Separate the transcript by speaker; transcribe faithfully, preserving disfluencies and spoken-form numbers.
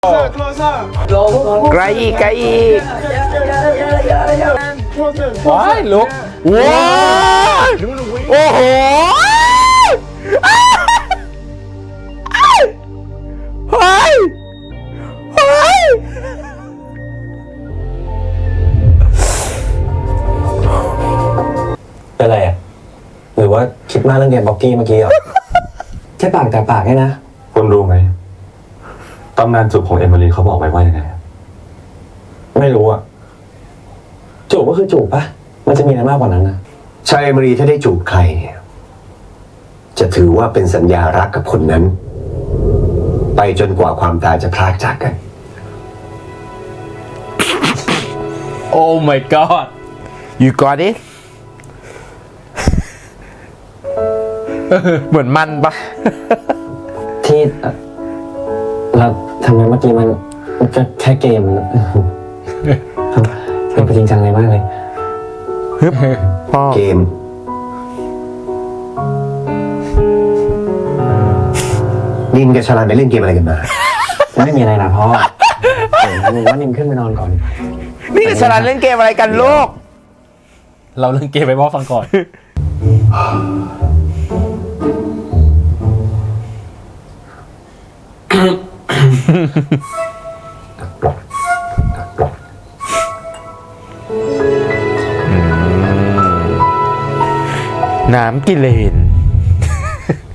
Speaker 1: ไกลอีกไกลอีก
Speaker 2: ว้ายลุก
Speaker 1: ว้าวโอ้โหเฮ้ยเฮ้ย
Speaker 3: เป็นไรอ่ะหรือว่าคิดมากเรื่องเกมบ็อกกี้เมื่อกี้เหรอ แค่ปากแต่ปากแค่นะ
Speaker 4: คุณรู้ไหมตำนานจูบของเอมิลีเขาบอกไว้ว่ายังไง
Speaker 3: ไม่รู้อ่ะจูบก็คือจูบปะมันจะมีอะไรมากกว่านั้นนะ
Speaker 5: ชายเอมิรีถ้าได้จูบใครเนี่ยจะถือว่าเป็นสัญญารักกับคนนั้น ไปจนกว่าความตายจะพรากจากกัน
Speaker 2: โอ้ my god
Speaker 1: you got it เหมือนมันปะ
Speaker 3: ที่เอ่อเราทำไมเมื่อกี้มันมันก็แค่เกมทำไปจริงจังเลยมากเลย
Speaker 1: พ่อ
Speaker 5: เกม นินกับชาลันไปเล่นเกมอะไรกันมา
Speaker 3: ไม่มีอะไรนะพ่อเดี๋ยวนิมว่านิมขึ้นไปนอนก่อน
Speaker 1: นี่กับฉลาดเล่นเกมอะไรกันลูก
Speaker 2: เราเล่นเกมไปพ่อฟังก่อน
Speaker 1: น้ำกิเลน